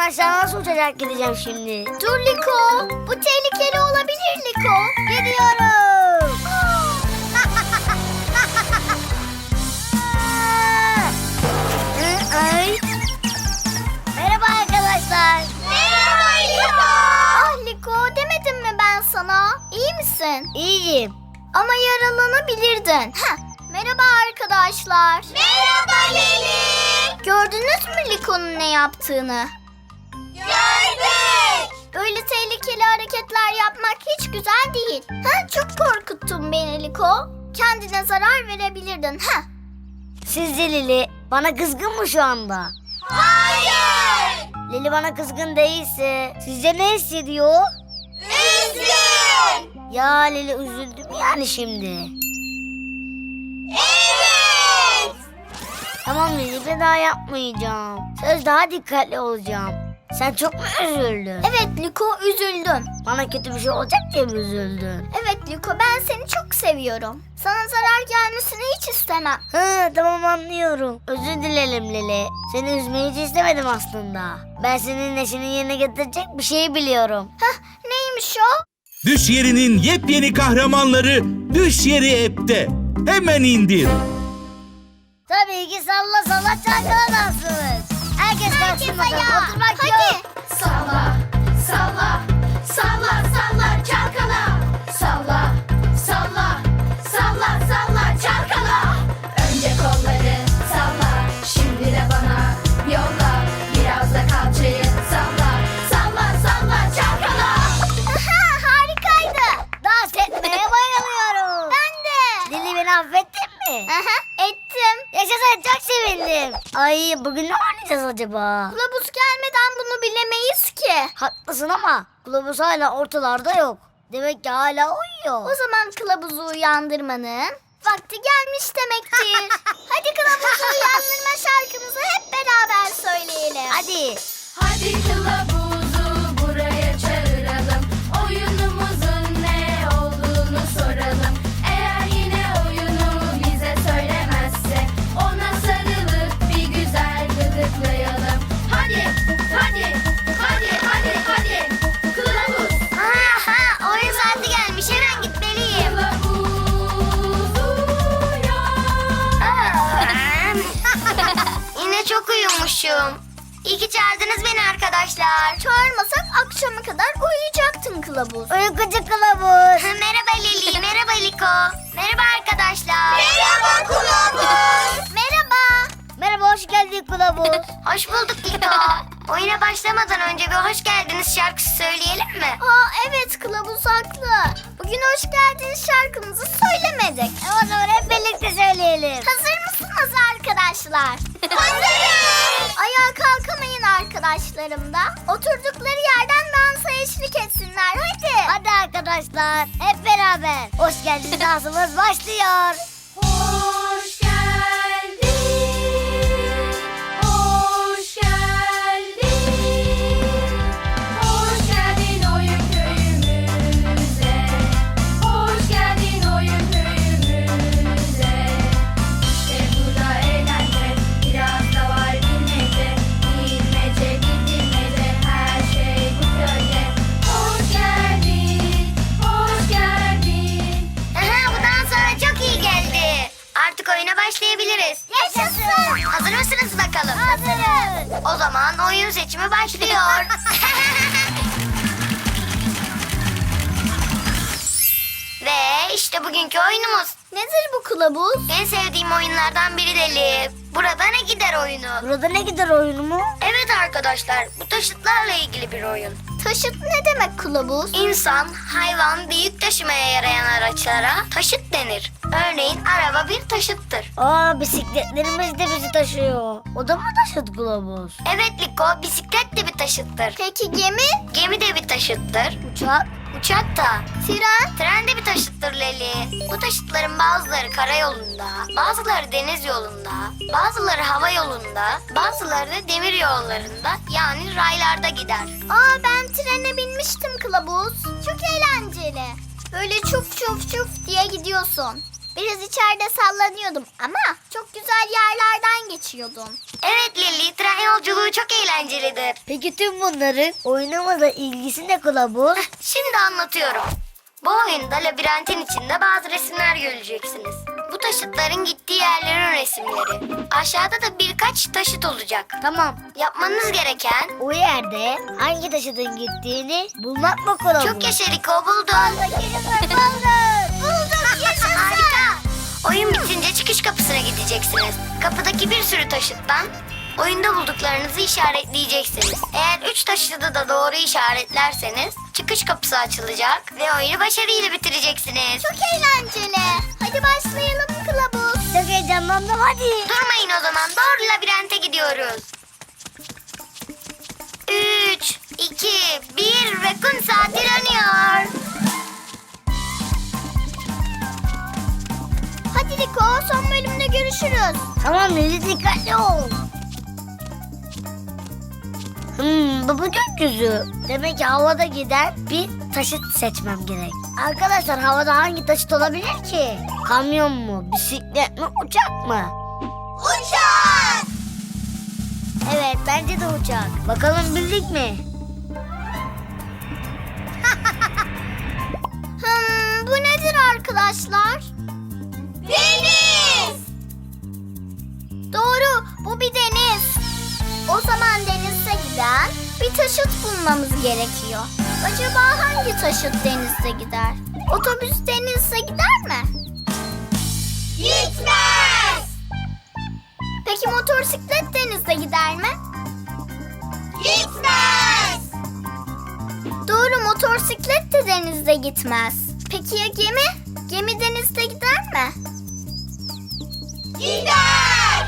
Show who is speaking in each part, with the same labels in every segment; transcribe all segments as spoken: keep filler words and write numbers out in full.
Speaker 1: aşağı nasıl uçacak gideceğim şimdi?
Speaker 2: Dur Liko. Bu tehlikeli olabilir Liko.
Speaker 1: Gidiyorum. Ay. Merhaba arkadaşlar.
Speaker 2: Merhaba Liko. Ah Liko, demedim mi ben sana? İyi misin?
Speaker 1: İyiyim.
Speaker 2: Ama yaralanabilirdin. Heh. Merhaba arkadaşlar. Merhaba Leli. Gördünüz mü Liko'nun ne yaptığını? Gördük. Böyle tehlikeli hareketler yapmak hiç güzel değil. Ha, çok korkuttun beni Liko. Kendine zarar verebilirdin. Ha.
Speaker 1: Sizce Lili bana kızgın mı şu anda?
Speaker 2: Hayır.
Speaker 1: Lili bana kızgın değilse sizce ne hissediyor?
Speaker 2: Üzgün.
Speaker 1: Ya Lili üzüldüm yani şimdi.
Speaker 2: Evet.
Speaker 1: Tamam Lili, bir daha yapmayacağım. Söz, daha dikkatli olacağım. Sen çok mu üzüldün?
Speaker 2: Evet Liko, üzüldüm.
Speaker 1: Bana kötü bir şey olacak diye mi üzüldün?
Speaker 2: Evet Liko, ben seni çok seviyorum. Sana zarar gelmesini hiç istemem.
Speaker 1: Hı, tamam, anlıyorum. Özür dilerim Lili. Seni üzmeyi hiç istemedim aslında. Ben senin neşeni yerine getirecek bir şey biliyorum.
Speaker 2: Hah, neymiş o?
Speaker 3: Düş Yeri'nin yepyeni kahramanları Düş Yeri app'te. Hemen indir.
Speaker 1: Tabii ki salla salla çalkala dansımız. Herkes kalksın bakalım. Oturmak
Speaker 2: Hadi.
Speaker 1: yok.
Speaker 4: Salla, salla, salla, salla, çalkala. Salla, salla, salla, salla, çalkala. Önce kolları salla, şimdi de bana yolla. Biraz da kalçayı salla, salla, salla, çalkala.
Speaker 2: Aha, harikaydı.
Speaker 1: Dans etmeye bayılıyorum.
Speaker 2: Ben de.
Speaker 1: Lili, beni affettin mi?
Speaker 2: Aha, ettim.
Speaker 1: Yaşasın, çok sevindim. Ay, bugün ne oynayacağız acaba?
Speaker 2: Kılavuz gelmeden bunu bilemeyiz ki.
Speaker 1: Haklısın ama kılavuz hala ortalarda yok. Demek ki hala uyuyor.
Speaker 2: O zaman kılavuzu uyandırmanın vakti gelmiş demektir. Hadi kılavuzu uyandırma şarkımızı hep beraber söyleyelim.
Speaker 1: Hadi.
Speaker 4: Hadi kılavuzu buraya çağıralım. Oyunumuzun ne olduğunu soralım. Eğer yine oyunu bize söylemezse ona sarılıp bir güzel gıdıklayalım. Hadi, hadi, hadi, hadi, hadi. Kılavuz,
Speaker 2: Aha, oyun saati gelmiş, hemen gitmeliyim.
Speaker 4: kılavuz uyan.
Speaker 2: Yine çok uyumuşum. İyi ki çağırdınız beni arkadaşlar. Çağırmasak akşama kadar uyuyacaktın kılavuz.
Speaker 1: Uykucu kılavuz.
Speaker 2: Merhaba Leli, merhaba Liko. Merhaba arkadaşlar. Merhaba kılavuz. Merhaba.
Speaker 1: Merhaba, hoş geldin kılavuz.
Speaker 2: Hoş bulduk Liko. Oyuna başlamadan önce bir hoş geldiniz şarkısı söyleyelim mi? Aa evet, kılavuz haklı. Bugün hoş geldiniz şarkımızı söylemedik.
Speaker 1: E, o zaman hep birlikte söyleyelim.
Speaker 2: Hazır mısınız arkadaşlar? Hazırız. Ayağa kalkamayın arkadaşlarım da. Oturdukları yerden dansa eşlik etsinler. Hadi.
Speaker 1: Hadi arkadaşlar, hep beraber. Hoş geldin dansımız başlıyor.
Speaker 4: Hoş geldin, hoş geldin, hoş geldin oyun köyümüze, hoş geldin oyun köyümüze. İşte burada eğlence, biraz da var bilmece, bilmece bilmece, her şey bu köyde. Hoş geldin, hoş geldin.
Speaker 2: Aha, bu dans sana çok iyi geldi. Artık oyuna başlayabiliriz. Yaşasın. Hazır mısınız bakalım?
Speaker 1: Hazırız.
Speaker 2: O zaman oyun seçimi başlıyor. Ve işte bugünkü oyunumuz. Nedir bu kılavuz? En sevdiğim oyunlardan biri Deli. Burada ne gider oyunu.
Speaker 1: Burada ne gider oyunu mu?
Speaker 2: Evet arkadaşlar, bu taşıtlarla ilgili bir oyun. Taşıt ne demek kılavuz? İnsan, hayvan ve yük taşımaya yarayan araçlara taşıt denir. Örneğin araba bir taşıttır.
Speaker 1: Aa, bisikletlerimiz de bizi taşıyor. O da mı taşıt kılavuz?
Speaker 2: Evet Liko, bisiklet de bir taşıttır. Peki gemi? Gemi de bir taşıttır.
Speaker 1: Uçak.
Speaker 2: Uçak da. Tren? Tren de bir taşıttır Leli. Bu taşıtların bazıları karayolunda, bazıları deniz yolunda, bazıları hava yolunda, bazıları da demir yollarında, yani raylarda gider. Aa, ben trene binmiştim kılavuz. Çok eğlenceli. Böyle çuf çuf çuf diye gidiyorsun. Biraz içeride sallanıyordum ama çok güzel yerlerden geçiyordum. Evet Leli, tren yolculuğu çok eğlencelidir.
Speaker 1: Peki tüm bunların oyunumuzla ilgisi ne kılavuz?
Speaker 2: Şimdi anlatıyorum. Bu oyunda labirentin içinde bazı resimler göreceksiniz. Bu taşıtların gittiği yerlerin resimleri. Aşağıda da birkaç taşıt olacak.
Speaker 1: Tamam.
Speaker 2: Yapmanız gereken...
Speaker 1: O yerde hangi taşıtın gittiğini bulmak mı kılavuz?
Speaker 2: Çok yaşa Liko, buldun. Buldum, yaşasın. Harika. Oyun bitince çıkış kapısına gideceksiniz. Kapıdaki bir sürü taşıttan oyunda bulduklarınızı işaretleyeceksiniz. Eğer üç taşıtı da doğru işaretlerseniz çıkış kapısı açılacak ve oyunu başarıyla bitireceksiniz. Çok eğlenceli. Hadi başlayalım kılavuz.
Speaker 1: Çok heyecanlandım hadi.
Speaker 2: Durmayın o zaman, doğru labirente gidiyoruz. Üç, iki, bir ve kum saati dönüyor. Hadi Liko, son bölümde görüşürüz.
Speaker 1: Tamam Leli, dikkatli ol. Hmm, bu bu gökyüzü. Demek ki havada giden bir taşıt seçmem gerek. Arkadaşlar, havada hangi taşıt olabilir ki? Kamyon mu, bisiklet mi, uçak mı?
Speaker 2: Uçak!
Speaker 1: Evet, bence de uçak. Bakalım bildik mi?
Speaker 2: Hmm, bu nedir arkadaşlar? Deniz! Doğru, bu bir deniz. O zaman denize giden bir taşıt bulmamız gerekiyor. Acaba hangi taşıt denizde gider? Otobüs denizde gider mi? Gitmez! Peki motosiklet denizde gider mi? Gitmez! Doğru, motosiklet de denizde gitmez. Peki ya gemi? Gemi denizde gider mi? Gider!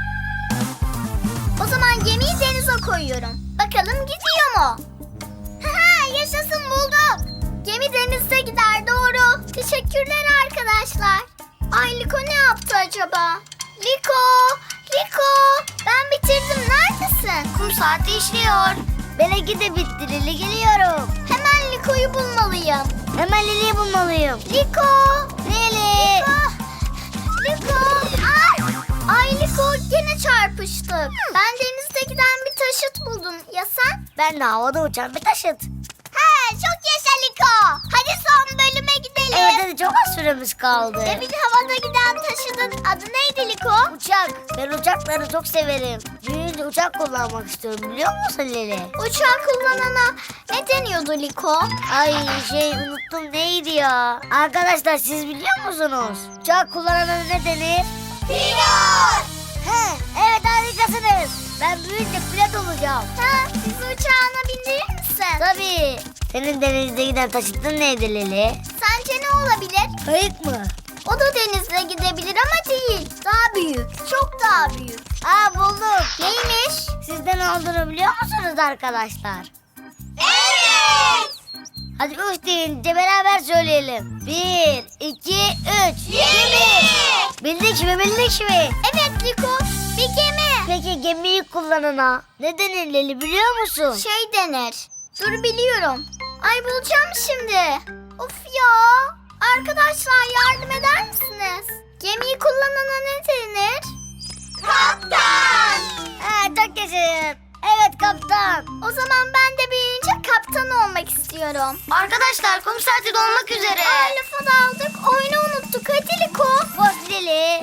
Speaker 2: O zaman gemiyi denize koyuyorum. Bakalım gidiyor mu? Haha, yaşasın, bulduk. Gemi denizde gider, doğru. Teşekkürler arkadaşlar. Ay Liko ne yaptı acaba? Liko! Liko! Ben bitirdim, neredesin? Kum saati işliyor.
Speaker 1: Benimki de bitti Leli, geliyorum.
Speaker 2: Hemen Liko'yu bulmalıyım.
Speaker 1: Hemen Leli'yi bulmalıyım.
Speaker 2: Liko!
Speaker 1: Leli!
Speaker 2: Liko! Ay! Ay Liko, gene çarpıştık. Ben denizde giden bir taşıt buldum. Ya sen?
Speaker 1: Ben de havada uçan bir taşıt.
Speaker 2: He, çok yaşa Liko. Hadi son bölüme gidelim.
Speaker 1: Evet hadi, çok az süremiz kaldı.
Speaker 2: Demin havada giden taşıtın adı neydi Liko?
Speaker 1: Uçak. Ben uçakları çok severim. Büyüyünce uçak kullanmak istiyorum, biliyor musun Leli?
Speaker 2: Uçağı kullanana ne deniyordu Liko?
Speaker 1: Ay şey unuttum, neydi ya? Arkadaşlar, siz biliyor musunuz? Uçak kullanana ne denir?
Speaker 2: Pilot!
Speaker 1: He, evet harikasınız. Ben büyüyünce pilot olacağım.
Speaker 2: Ha, bizi uçağına bindirir misin?
Speaker 1: Tabii. Senin denizde giden taşıtın neydi Leli?
Speaker 2: Sence ne olabilir?
Speaker 1: Kayık mı?
Speaker 2: O da denizde gidebilir ama değil. Daha büyük. Çok daha büyük.
Speaker 1: Aa, buldum.
Speaker 2: Neymiş?
Speaker 1: Sizde ne olduğunu biliyor musunuz arkadaşlar?
Speaker 2: Evet!
Speaker 1: Hadi üç deyince beraber söyleyelim. Bir, iki, üç.
Speaker 2: Gemi!
Speaker 1: Bildik mi, bildik mi?
Speaker 2: Evet Liko, bir gemi.
Speaker 1: Peki gemiyi kullanana ne denir Leli, biliyor musun?
Speaker 2: Şey denir. Dur, biliyorum. Ay, bulacağım şimdi. Of ya. Arkadaşlar, yardım eder misiniz? Gemiyi kullanana ne denir? Kaptan.
Speaker 1: Ha, çok yaşayın. Evet kaptan.
Speaker 2: O zaman ben de büyüyünce kaptan olmak istiyorum. Arkadaşlar, kum saati dolmak üzere. Ay, lafa daldık. Oyunu unuttuk. Hadi Liko.
Speaker 1: Bak Leli.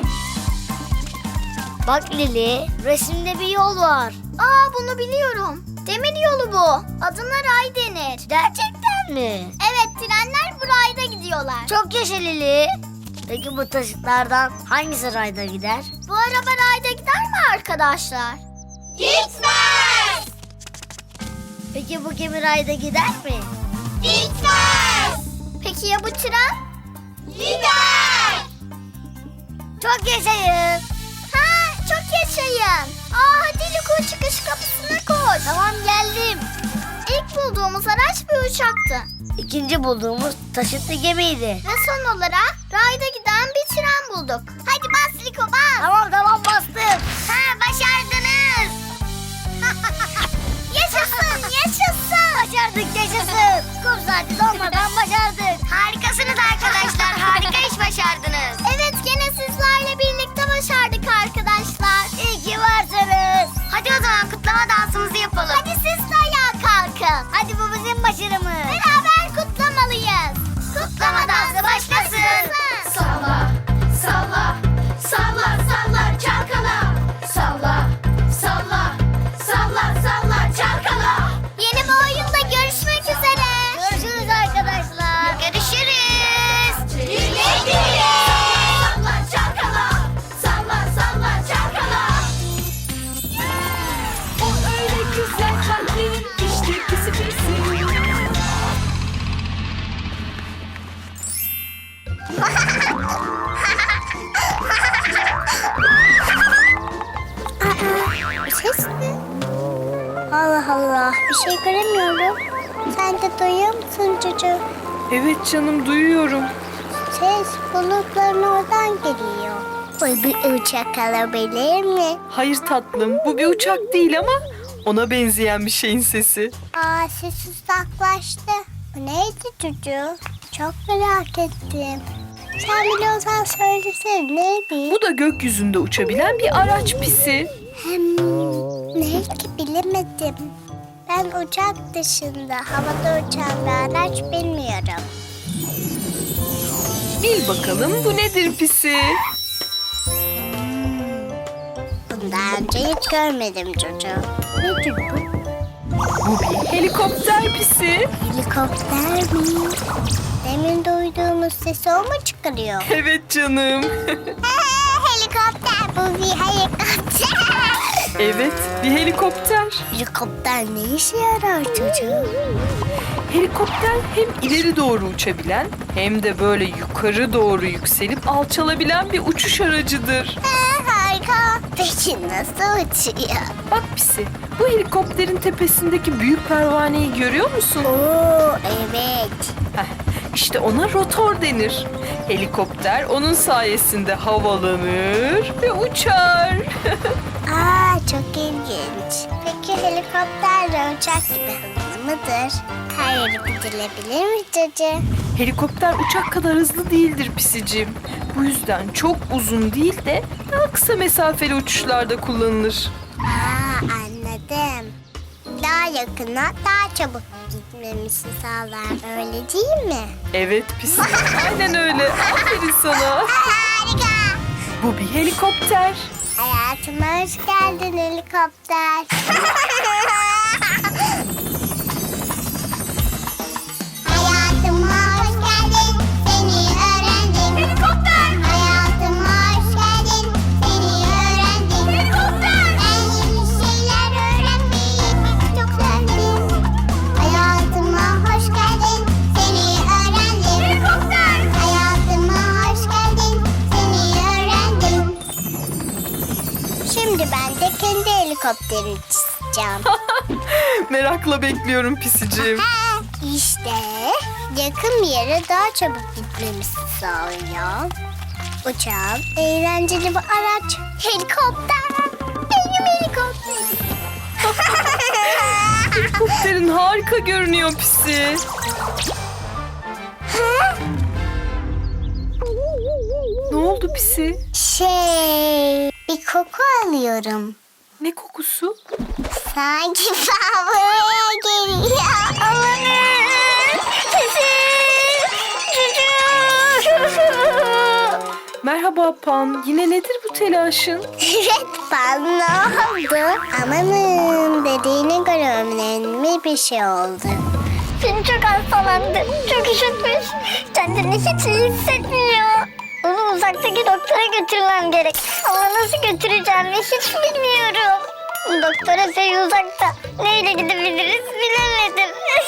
Speaker 1: Bak Leli, resimde bir yol var.
Speaker 2: Aa, bunu biliyorum. Demir yolu bu. Adına ray denir.
Speaker 1: Gerçekten mi?
Speaker 2: Evet, trenler bu rayda gidiyorlar.
Speaker 1: Çok yaşa Leli. Peki bu taşıtlardan hangisi rayda gider?
Speaker 2: Bu araba rayda gider mi arkadaşlar? Gitmez!
Speaker 1: Peki bu gemi rayda gider mi?
Speaker 2: Gitmez! Peki ya bu tren? Gider!
Speaker 1: Çok yaşayın.
Speaker 2: Ha, çok yaşayın. Aa, hadi Liko, çıkış kapısına koş.
Speaker 1: Tamam, geldim.
Speaker 2: İlk bulduğumuz araç bir uçaktı.
Speaker 1: İkinci bulduğumuz taşıtlı gemiydi.
Speaker 2: Ve son olarak rayda giden bir tren bulduk. Hadi bas Liko, bas.
Speaker 1: Tamam tamam, bastım.
Speaker 2: Ha, başardınız. Yaşasın, yaşasın.
Speaker 1: Başardık, yaşasın. Kum saati dolmadan başardık.
Speaker 2: Harikasınız arkadaşlar. Harika iş başardınız. Evet
Speaker 1: Harika. Hadi bu bizim başarımız. Beraber kutlamalıyız. Kutlama dansı başlasın.
Speaker 4: Salla, salla, salla, salla, çalkala. Salla, salla, salla, salla, çalkala.
Speaker 1: Yeni bir oyunda görüşmek üzere. Görüşürüz arkadaşlar.
Speaker 2: Görüşürüz.
Speaker 4: Güle güle. Salla, çalkala. Salla, salla, çalkala. O öyle güzel kalplerin işte pisi pisi.
Speaker 1: Bir ses mi? Allah Allah, bir şey göremiyorum. Sen de duyuyor musun çocuğum?
Speaker 5: Evet canım, duyuyorum.
Speaker 1: Ses bulutların oradan geliyor. Bu bir uçak alabilir mi?
Speaker 5: Hayır tatlım, bu bir uçak değil ama ona benzeyen bir şeyin sesi.
Speaker 1: Aa, ses uzaklaştı. Bu neydi çocuğum? Çok merak ettim. Sen biliyorsan söylesene, neydi?
Speaker 5: Bu da gökyüzünde uçabilen bir araç pisi.
Speaker 1: Hem ne ki bilemedim. Ben uçak dışında havada uçan bir araç bilmiyorum.
Speaker 5: Bil bakalım bu nedir pisi?
Speaker 1: Bunu daha önce hiç görmedim çocuğum. Nedir bu?
Speaker 5: Bu bir helikopter pisi.
Speaker 1: Helikopter mi? Demin duyduğumuz sesi o mu çıkarıyor?
Speaker 5: Evet canım.
Speaker 1: Helikopter, bu bir helikopter.
Speaker 5: Evet, bir helikopter.
Speaker 1: Helikopter ne işe yarar çocuğum?
Speaker 5: Helikopter hem ileri doğru uçabilen hem de böyle yukarı doğru yükselip alçalabilen bir uçuş aracıdır.
Speaker 1: Harika. Peki nasıl uçuyor?
Speaker 5: Bak pisi, bu helikopterin tepesindeki büyük pervaneyi görüyor musun?
Speaker 1: Oo, evet.
Speaker 5: Heh, işte ona rotor denir. Helikopter onun sayesinde havalanır ve uçar.
Speaker 1: Aa, çok ilginç. Peki helikopterle uçak gibi hızlı mıdır? Her yere gidilebilir mi çocuğum?
Speaker 5: Helikopter uçak kadar hızlı değildir pisicim. Bu yüzden çok uzun değil de daha kısa mesafeli uçuşlarda kullanılır.
Speaker 1: Aa, anladım. Daha yakına, daha çabuk gitmemizi sağlar. Öyle değil mi?
Speaker 5: Evet pisi. Aynen öyle. Aferin sana.
Speaker 1: Harika.
Speaker 5: Bu bir helikopter.
Speaker 1: Hayatıma hoş geldin helikopter. Hayatıma hoş geldin, seni öğrendim. Helikopter. Hayatıma hoş geldin, seni öğrendim. Helikopter. Ben yeni şeyler öğrenmeyi çok sevdim. Hayatıma hoş geldin, seni öğrendim. Helikopter. Hayatıma hoş geldin, seni öğrendim. Şimdi ben de kendi helikopterimi çizeceğim.
Speaker 5: Merakla bekliyorum pisicim.
Speaker 1: Ha, İşte yakın bir yere daha çabuk gitmemizi sağlıyor. Uçağım, eğlenceli bir araç. Helikopter. Benim helikopterim.
Speaker 5: Helikopterin harika görünüyor pisi.
Speaker 1: Ha?
Speaker 5: Ne oldu pisi?
Speaker 1: Şey, bir koku alıyorum.
Speaker 5: Ne kokusu?
Speaker 1: Sanki fabrikaya geliyor. Amanın. Çocuğum.
Speaker 5: Merhaba Pan. Yine nedir bu telaşın?
Speaker 1: Evet, ben ne oldu? Amanın, dediğine göre önemli bir şey oldu. Seni çok hastalandı, çok üşütmüş. Kendini hiç iyi hissetmiyor. Onu uzaktaki doktora götürmem gerek. Ama nasıl götüreceğimi hiç bilmiyorum. Doktora şey uzakta. Neyle gidebiliriz bilemedim.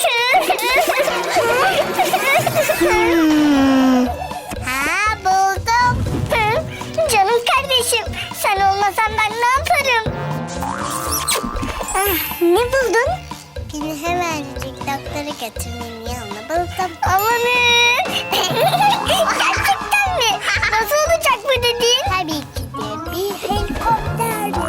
Speaker 1: hmm. Ha, buldum. Hı? Canım kardeşim, sen olmasan ben ne yaparım? Ah, ne buldun? Beni hemencik doktora götürmenin yanına buldum. Amanın! Gerçekten mi? Nasıl olacak bu dediğin? Tabii ki de bir helikopter.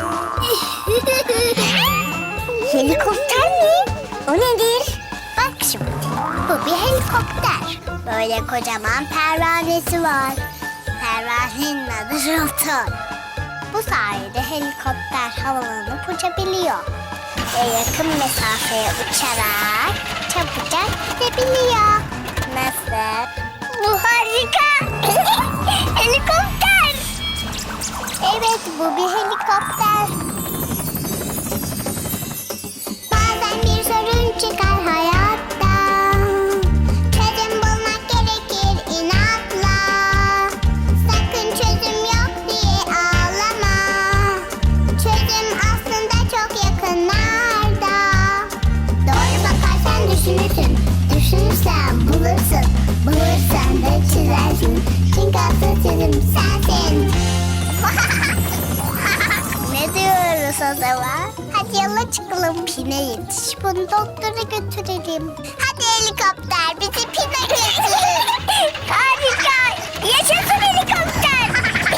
Speaker 1: Helikopter mi? O nedir? Bak şimdi, bu bir helikopter. Böyle kocaman pervanesi var. Pervanenin adı rotor. Bu sayede helikopter havalanıp uçabiliyor. Ve yakın mesafeye uçarak
Speaker 6: uçabiliyor. Nasıl? Bu harika. Helikopter. Evet, bu bir helikopter. Bazen bir sorun çıkar hayatta. Çözüm bulmak gerekir inatla. Sakın çözüm yok diye ağlama. Çözüm aslında çok yakınlarda. Doğru bakarsan düşünürsün. Düşünürsen bulursun. Bulursan da çizersin. Çünkü asıl çözüm sensin. Ne diyoruz o zaman? Hadi yola çıkalım. Pine yetiş. Bunu doktora götürelim. Hadi helikopter bizi Pine götür. Harika. Yaşasın helikopter.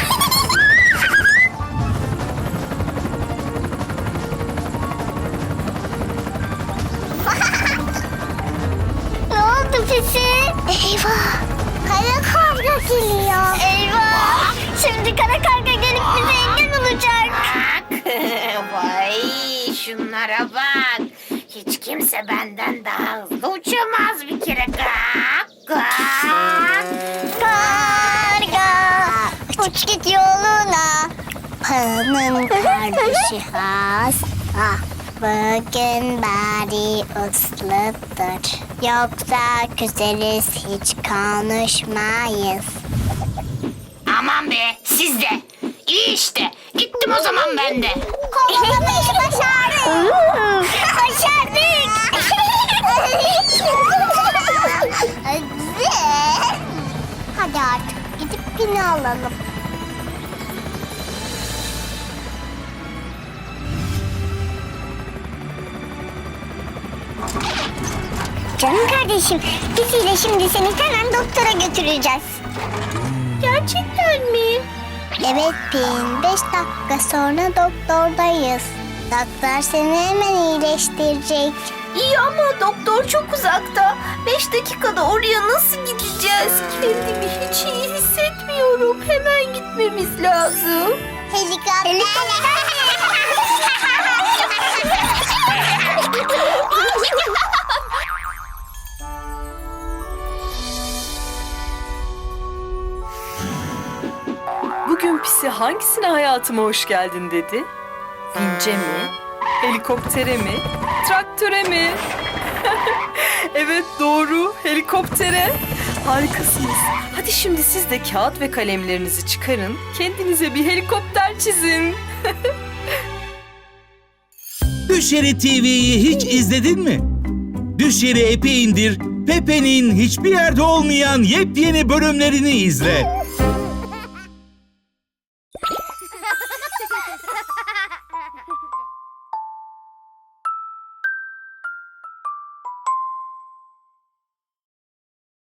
Speaker 6: Ne oldu Pisi? Eyvah. Kara karga geliyor. Eyvah. Şimdi kara karga gelip bize engel olacak.
Speaker 7: Vay şunlara bak. Hiç kimse benden daha hızlı uçamaz bir kere. Gak, gak.
Speaker 6: Karga uç git yoluna. Paranın kardeşi hasta. Bugün bari usludur. Yoksa küseriz hiç konuşmayız.
Speaker 7: Aman be siz de. İyi işte. Gittim o zaman ben de.
Speaker 6: Kovalamayı başardık. Başardık. Hadi artık gidip Pini alalım. Canım kardeşim, biz de şimdi seni hemen doktora götüreceğiz. Gerçekten mi? Evet Pin, beş dakika sonra doktordayız. Doktor seni hemen iyileştirecek.
Speaker 8: İyi ama doktor çok uzakta. Beş dakikada oraya nasıl gideceğiz? Kendimi hiç iyi hissetmiyorum. Hemen gitmemiz lazım.
Speaker 6: Helikopter.
Speaker 5: Bugün Pisi hangisine hayatıma hoş geldin dedi? Vince mi? Helikoptere mi? Traktöre mi? Evet doğru, helikoptere. Harikasınız. Hadi şimdi siz de kağıt ve kalemlerinizi çıkarın. Kendinize bir helikopter çizin.
Speaker 3: Düşeri T V'yi hiç izledin mi? Düşeri app'i indir, Pepe'nin hiçbir yerde olmayan yepyeni bölümlerini izle.